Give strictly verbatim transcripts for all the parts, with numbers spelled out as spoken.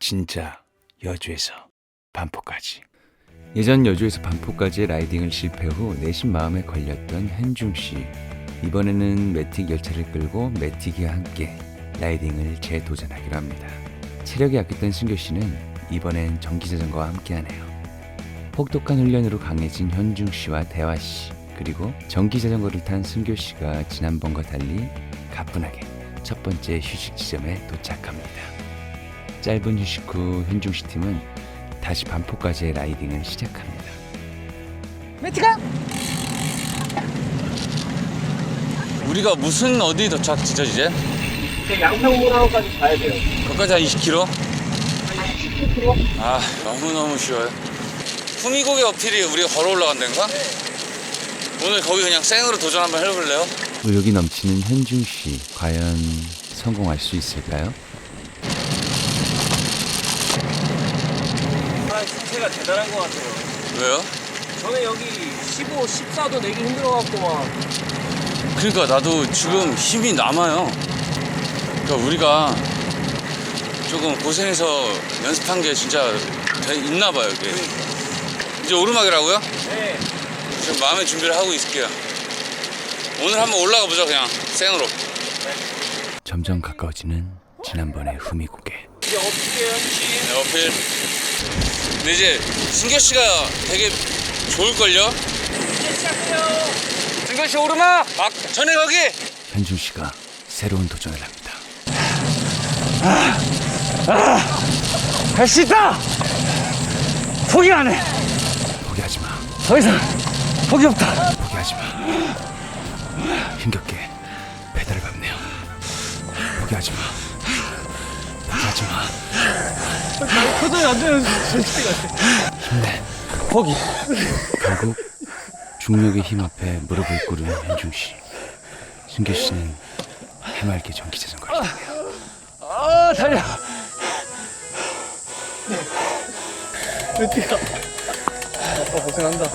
진짜 여주에서 반포까지. 예전 여주에서 반포까지의 라이딩을 실패 후 내심 마음에 걸렸던 현중씨. 이번에는 매틱 열차를 끌고 매틱이와 함께 라이딩을 재도전하기로 합니다. 체력이 약했던 승교씨는 이번엔 전기자전거와 함께하네요. 혹독한 훈련으로 강해진 현중씨와 대화씨, 그리고 전기자전거를 탄 승교씨가 지난번과 달리 가뿐하게 첫 번째 휴식 지점에 도착합니다. 짧은 휴식 후 현중씨 팀은 다시 반포까지의 라이딩을 시작합니다. 매트가! 우리가 무슨 어디 도착지죠 이제? 이제 양평문화까지 가야 돼요. 거기까지 한 이십 킬로미터? 십구 킬로미터? 아 너무너무 쉬워요. 후미고개 어필이 우리가 걸어 올라간다는가? 네. 오늘 거기 그냥 생으로 도전 한번 해볼래요? 의욕이 넘치는 현중씨, 과연 성공할 수 있을까요? 아, 상태가 대단한 것 같아요. 왜요? 저는 여기 십오, 십사도 내기 힘들어갖고 막. 그러니까 나도 지금 힘이 남아요. 그러니까 우리가 조금 고생해서 연습한 게 진짜 돼- 있나 봐요 이게. 이제 오르막이라고요? 네. 지금 마음의 준비를 하고 있을게요. 오늘 한번 올라가 보자 그냥 생으로. 점점 가까워지는 지난번의 후미고개. 이제 어필이에요. 네, 어필. 근데 이제 승교 씨가 되게 좋을걸요? 이제 시작해요. 승교 씨 오르막! 막 전에 거기! 현중씨가 새로운 도전을 합니다. 할 수 있다! 포기 안 해! 포기하지 마. 더 이상 포기 없다! 포기하지 마. 힘겹게 페달을 밟네요. 포기하지 마. 포기하지 마. 표정이 안 되는 솔직히 같아. 힘내. 포기. 결국 중력의 힘 앞에 무릎을 꿇은 현중씨. 승교씨는 해맑게 전기자전거를 타네요. 아, 달려! 어디가? 아빠 고생한다.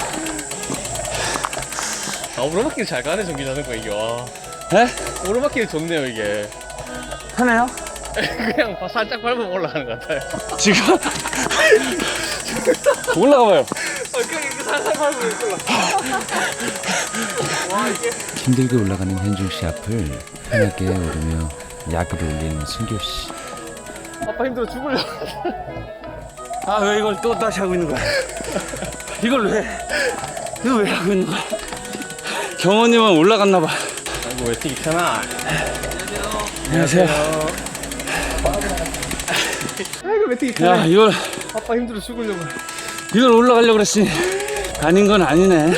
아, 오르막길 잘 가네, 전기자전거 이게. 와. 네? 오르막길 좋네요, 이게. 편해요? 그냥 살짝 밟으면 올라가는 것 같아요. 지금? 올라가봐요. 아, 그냥 이렇게 살살 밟으면 올라가. 와, 이게. 힘들게 올라가는 현중씨 앞을 편하게 오르며 약을 올리는 승교씨. 아빠 힘들어 죽을려. 아 왜 이걸 또 다시 하고 있는 거야? 이걸 왜? 이거 왜 하고 있는 거야? 경호님은 올라갔나 봐. 아이고, 왜 되게 편하. 안녕하세요. 아이고, 왜 되게 야 편하. 이걸 아빠 힘들어 죽으려고. 이걸 올라가려고 그랬으니 아닌 건 아니네.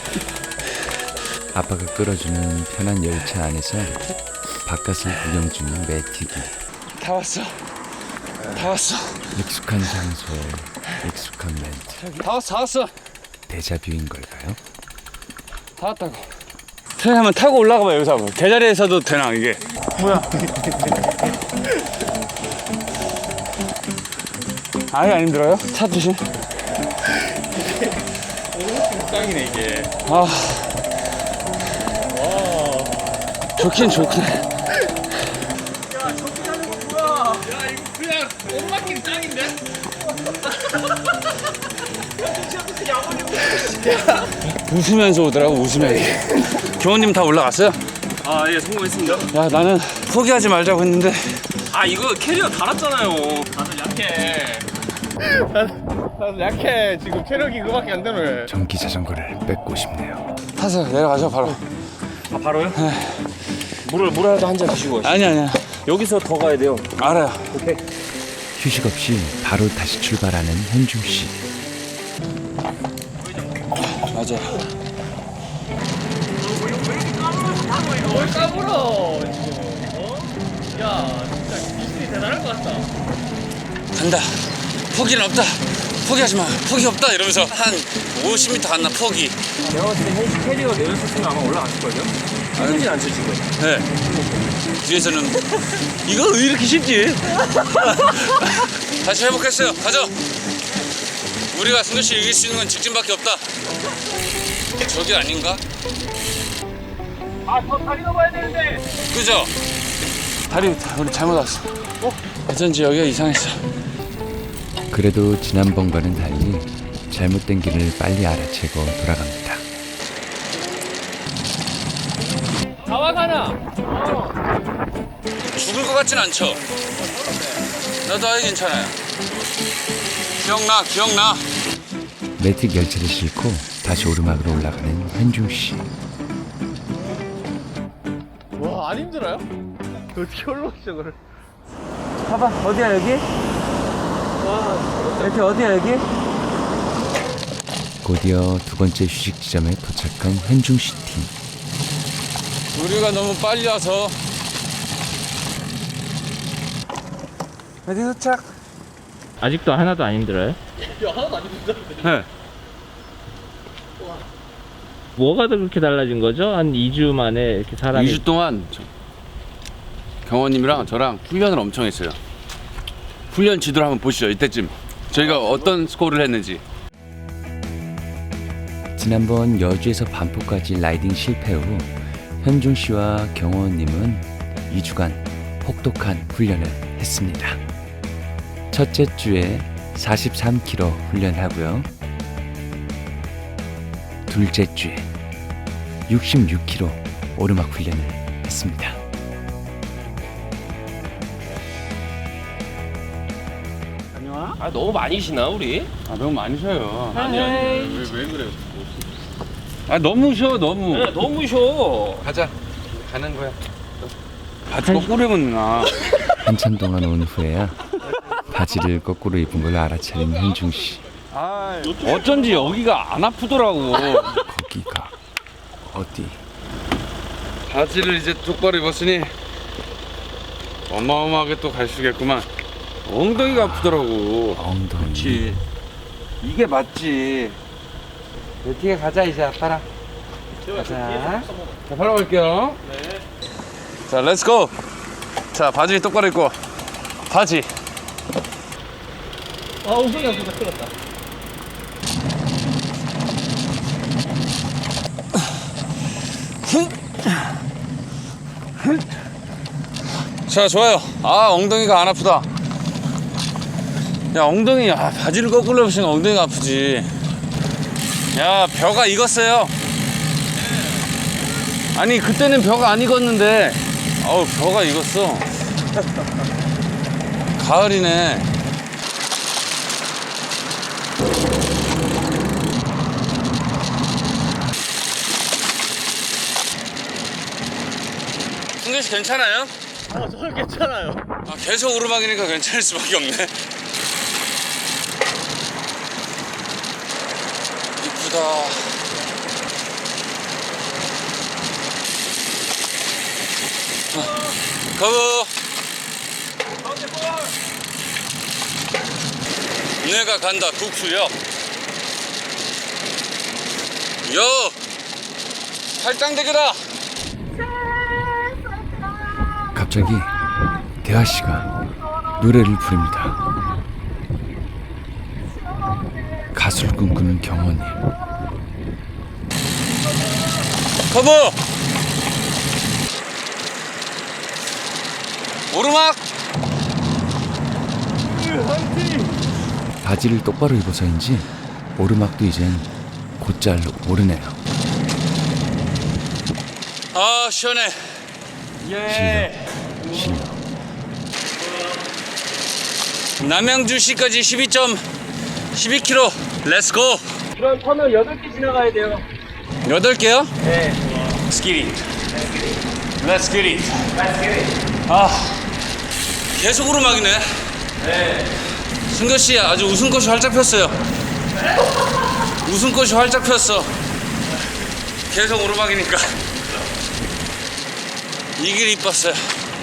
아빠가 끌어주는 편한 열차 안에서 바깥을 구경 중인 매틱이. 다 왔어. 다 왔어. 익숙한 장소에 익숙한 멘트. 다 왔어. 다 왔어. 데자뷰인 걸까요? 다 왔다고. 선생님 한번 타고 올라가 봐 여기서 한번. 개자리에서도 되나 이게? 뭐야? 아예 안 힘들어요? 차 조심. 짱이네, 이게. 아. 와. 좋긴 좋긴. 야, 저기 가는 거 뭐야? 야, 이거 그냥 오르막길 짱인데? 야, 진짜 무슨 야구님. 웃으면서 오더라고 웃으면서. 경호님 다 올라갔어요? 아, 예, 성공했습니다. 야 나는 포기하지 말자고 했는데. 아, 이거 캐리어 달았잖아요. 다들 약해. 다들 약해. 지금 체력이 그거밖에 안 되네. 전기자전거를 뺏고 싶네요. 타서 내려가죠 바로. 아, 바로요? 물을, 물이라도 한 잔 드시고. 아니 아니야. 여기서 더 가야 돼요. 알아요. 오케이. 휴식 없이 바로 다시 출발하는 현중씨. 맞아. 뭘 까불어, 지금. 어? 야, 진짜 미신이 대단한 것 같다. 간다. 포기는 없다. 포기하지 마. 포기 없다 이러면서 한 오십 미터 갔나 포기. 내가 봤을 때 현실 캐리어 내릴 수 있으면 아마 올라갔을걸요? 힘들진 않죠, 지금? 네. 뒤에서는 이거 왜 이렇게 쉽지? 다시 회복했어요. 가죠. 우리가 승규 씨 이길 수 있는 건 직진밖에 없다. 저기 아닌가? 아, 저 다리 넘어야 되는데. 그죠? 다리 우리 잘못 왔어. 어? 어쩐지 여기가 이상했어. 그래도 지난번과는 달리 잘못된 길을 빨리 알아채고 돌아갑니다. 죽을 것 같진 않죠? 나도 아예 괜찮아요. 기억나, 기억나. 매틱 열차를 싣고 다시 오르막으로 올라가는 현중 씨. 와, 안 힘들어요? 어떻게 올라오시죠, 그걸? 봐봐, 어디야 여기? 와, 이렇게 어디야 여기? 곧이어 두 번째 휴식 지점에 도착한 현중 씨 팀. 우리가 너무 빨리 와서. 어디 도착? 아직도 하나도 안 힘들어요? 야, 하나도 안 힘들다. 네. 뭐가 더 그렇게 달라진 거죠? 한 이 주 만에 이렇게 사람이 이 주 동안 저- 경호님이랑 저랑 훈련을 엄청 했어요. 훈련 지도를 한번 보시죠. 이때쯤 저희가 어떤 스코어를 했는지. 지난번 여주에서 반포까지 라이딩 실패 후 현중 씨와 경호원님은 이 주간 혹독한 훈련을 했습니다. 첫째 주에 사십삼 킬로미터 훈련하고요. 둘째 주에 육십육 킬로미터 오르막 훈련을 했습니다. 아, 너무 많이 쉬나, 우리? 아 너무 많이 쉬어요. 아니, 아니. 왜, 왜 그래요? 아 너무 쉬어 너무. 네, 너무 쉬어. 가자. 가는 거야. 바지 거꾸로 입은 누나. 한참 동안 온 후에야 바지를 거꾸로 입은 걸 알아차린 현중 씨. 아 어쩐지 여기가 안 아프더라고. 거기가 어디? 바지를 이제 똑바로 입었으니 어마어마하게 또 갈 수겠구만. 엉덩이가 아프더라고. 엉덩이. 이게 맞지. 뒤에 가자 이제 아빠랑. 가자. 자 바로 갈게요. 네. 자 렛츠고. 자 바지 똑바로 입고. 바지. 아, 엉덩이 아프다. 큰일 났다. 자 좋아요. 아 엉덩이가 안 아프다. 야 엉덩이 아 바지를 거꾸로 입으시면 엉덩이가 아프지. 야 벼가 익었어요. 아니 그때는 벼가 안 익었는데 어우 벼가 익었어. 가을이네. 승규씨 괜찮아요? 아, 저는 괜찮아요. 아, 계속 오르막이니까 괜찮을 수밖에 없네. 이쁘다. 어, 거부. 내가 간다 국수역. 여. 팔당대교다. 갑자기 대하 씨가 노래를 부릅니다. 가수를 꿈꾸는 경호님. 거부. 오르막. 바지를 똑바로 입어서인지 오르막도 이젠 곧잘 오르네요. 아 시원해. 실력, 실력. 남양주시까지 십이 점 십이 킬로미터. 렛츠고. 그럼 터널 여덟 개 지나가야 돼요. 여덟 개요? 네. Let's get it. Let's get it. 아 계속 오르막이네. 네. 승교 씨 아주 웃음꽃이 활짝 폈어요. 웃음꽃이 활짝 폈어. 계속 오르막이니까 이 길 이뻤어요.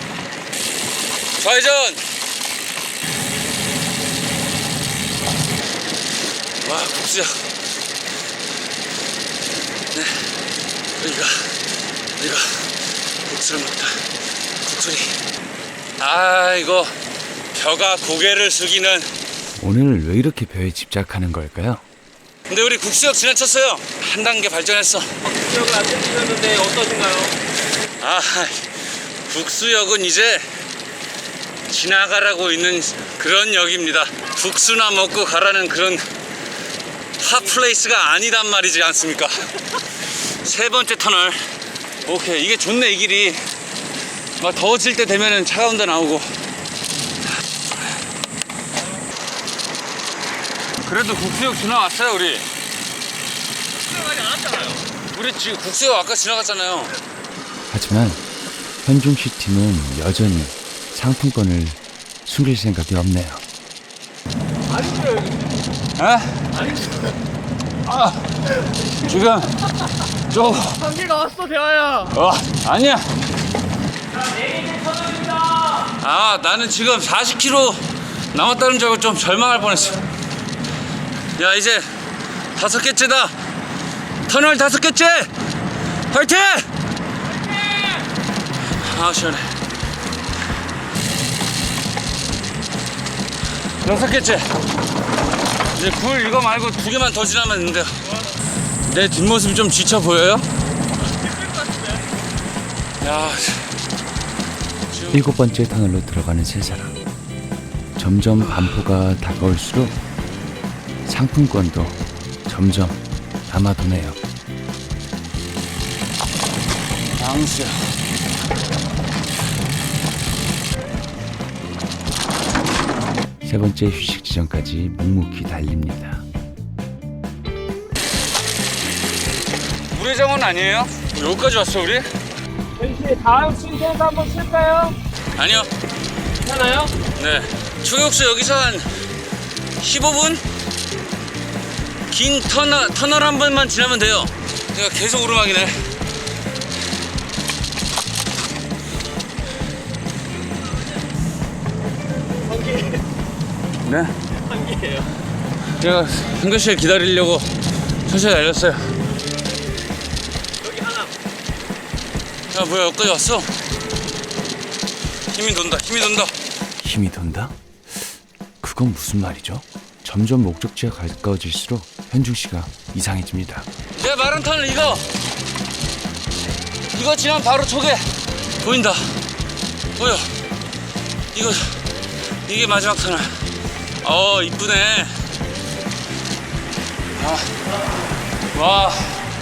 좌회전. 와 국수야. 네, 우리가 우리가 국수를 먹다. 국수리. 아 이거 벼가 고개를 숙이는. 오늘 왜 이렇게 벼에 집착하는 걸까요? 근데 우리 국수역 지나쳤어요. 한 단계 발전했어. 기억을 안 들으셨는데 어떠신가요? 아 국수역은 이제 지나가라고 있는 그런 역입니다. 국수나 먹고 가라는 그런 핫플레이스가 아니단 말이지 않습니까? 세 번째 터널. 오케이, 이게 좋네. 이 길이 막 더워질 때 되면은 차가운 데 나오고. 그래도 국수역 지나왔어요. 우리 지나가지 않았잖아요. 우리 지금 국수역 아까 지나갔잖아요. 하지만 현중씨 팀은 여전히 상품권을 숨길 생각이 없네요. 아니죠 여기. 에? 아, 지금 좀 한개가 왔어 대화야. 어, 아니야. 아, 나는 지금 사십 킬로미터 남았다는 줄 알고 좀 절망할 뻔했어. 야, 이제 다섯 개째다. 터널 다섯 개째. 화이팅! 아, 시원해. 여섯 개째. 이제 굴 이거 말고 두 개만 더 지나면 되는데요. 내 뒷모습이 좀 지쳐 보여요? 야, 일곱 번째 터널로 들어가는 세 사람. 점점 반포가 다가올수록 상품권도 점점 남아도네요. 방수야. 세 번째 휴식 지점까지 묵묵히 달립니다. 우회정은 아니에요? 여기까지 왔어 우리? 혹시 다음 신세에서 한번 쉴까요? 아니요. 괜찮아요? 네. 초역수 여기서 한 십오 분? 긴 터널, 터널 한 번만 지나면 돼요. 제가 계속 오르막이네. 네? 한개예요. 제가 한교 씨를 기다리려고 천천히 달렸어요. 여기 하나. 야, 뭐야, 여기까지 왔어? 힘이 돈다, 힘이 돈다. 힘이 돈다? 그건 무슨 말이죠? 점점 목적지가 가까워질수록 현중씨가 이상해집니다. 내가 말한 터널 이거 이거 지나면 바로 저게 보인다. 보여. 이거 이게 마지막 터널. 어, 이쁘네. 아, 와.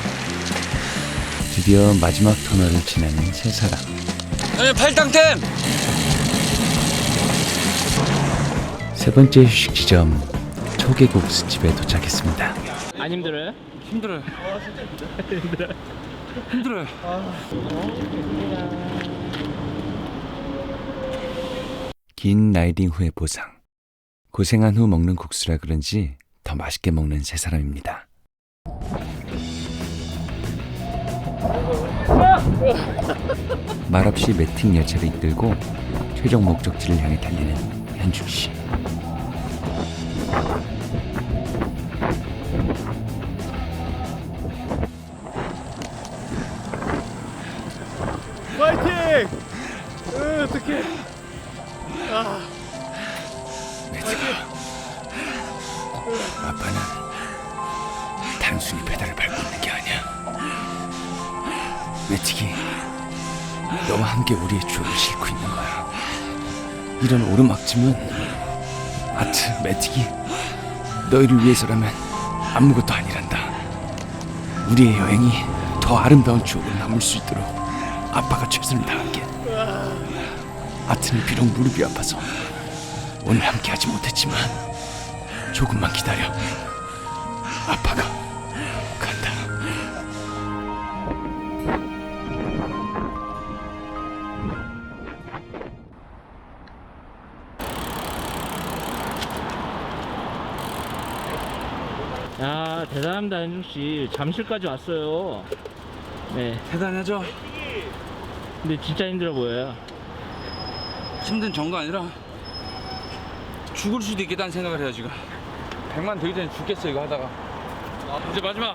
드디어 마지막 터널을 지나는 세 사람. 형님 팔당템. 세 번째 휴식 지점 초계국수집에 도착했습니다. 안 힘들어요? 힘들어요. 힘들어요. 힘들어요. 긴 라이딩 후의 보상. 고생한 후 먹는 국수라 그런지 더 맛있게 먹는 세 사람입니다. 말없이 매팅 열차를 이끌고 최종 목적지를 향해 달리는 현중씨. 파이팅! 으, 어떡해. 아, 아빠는 단순히 페달을 밟고 있는 게 아니야. 매틱이 너와 함께 우리의 추억을 싣고 있는 거야. 이런 오르막짐은 아트 매틱이 너희를 위해서라면 아무것도 아니란다. 우리의 여행이 더 아름다운 추억으로 남을 수 있도록 아빠가 최선을 다할게. 아트는 비록 무릎이 아파서 오늘 함께하지 못했지만 조금만 기다려. 아빠가 간다. 야, 대단합니다, 현중 씨. 잠실까지 왔어요. 네. 대단하죠? 근데 진짜 힘들어 보여요. 힘든 정도 아니라 죽을 수도 있겠다는 생각을 해요 지금. 백만 되기 전에 죽겠어 이거 하다가. 이제 마지막.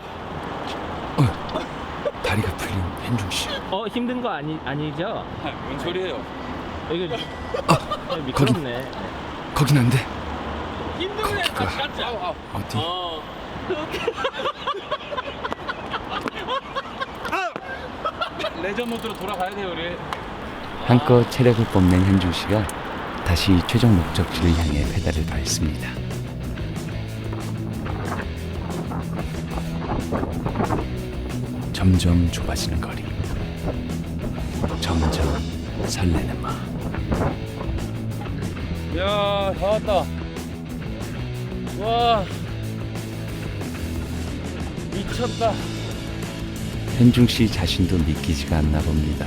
다리가 풀린 현중씨. 어, 힘든 거 아니 아니죠? 뭔 소리예요? 이거 아, 미끄럽네. 거긴 안 돼. 힘든 애 거기가 같지? 어디? 어. 레저 모드로 돌아가야 돼요 우리. 한껏 체력을 뽐낸 현중씨가 다시 최종 목적지를 향해 페달을 밟습니다. 점점 좁아지는 거리, 점점 설레는 마음. 야, 다 왔다. 와, 미쳤다. 현중 씨 자신도 믿기지가 않나 봅니다.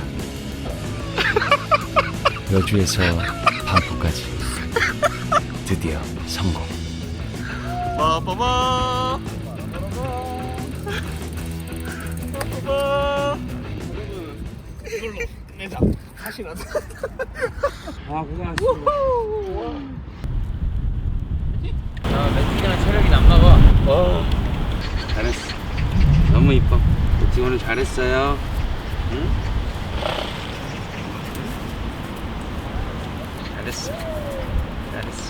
여주에서 반포까지 드디어 성공. 빠빠바. 빠빠바. 이걸로 내자. 다시 나자. 아, 고생하셨습니다. 아, 매틱이랑 체력이 남나봐. 어, 잘했어. 너무 이뻐. 우리 오늘 잘했어요. 응? 잘했어. 잘했어.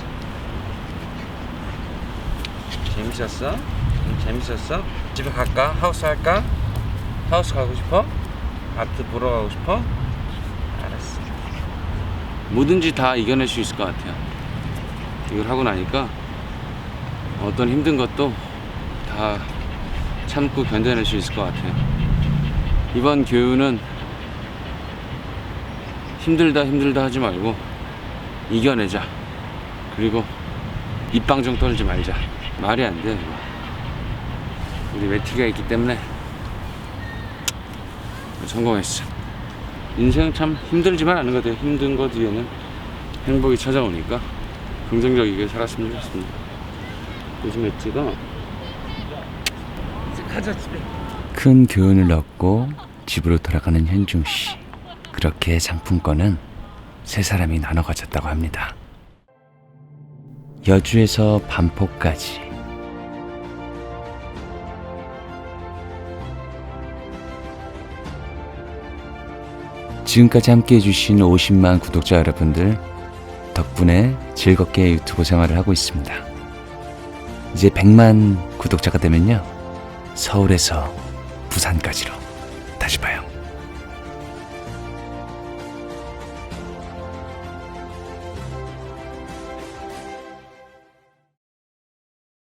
재밌었어? 응, 재밌었어? 집에 갈까? 하우스 할까? 하우스 가고 싶어? 아트 보러 가고 싶어? 알았어. 뭐든지 다 이겨낼 수 있을 것 같아요. 이걸 하고 나니까 어떤 힘든 것도 다 참고 견뎌낼 수 있을 것 같아요. 이번 교육은 힘들다 힘들다 하지 말고 이겨내자. 그리고 입방정 떨지 말자. 말이 안 돼. 우리 매티가 있기 때문에 성공했어. 인생 참 힘들지만 않은 것 같아요. 힘든 것 뒤에는 행복이 찾아오니까 긍정적이게 살았으면 좋겠습니다. 요즘 매티가 이제 가자 집에. 큰 교훈을 얻고 집으로 돌아가는 현중 씨. 그렇게 상품권은 세 사람이 나눠 가졌다고 합니다. 여주에서 반포까지. 지금까지 함께 해주신 오십만 구독자 여러분들 덕분에 즐겁게 유튜브 생활을 하고 있습니다. 이제 백만 구독자가 되면요, 서울에서 부산까지로 다시 봐요.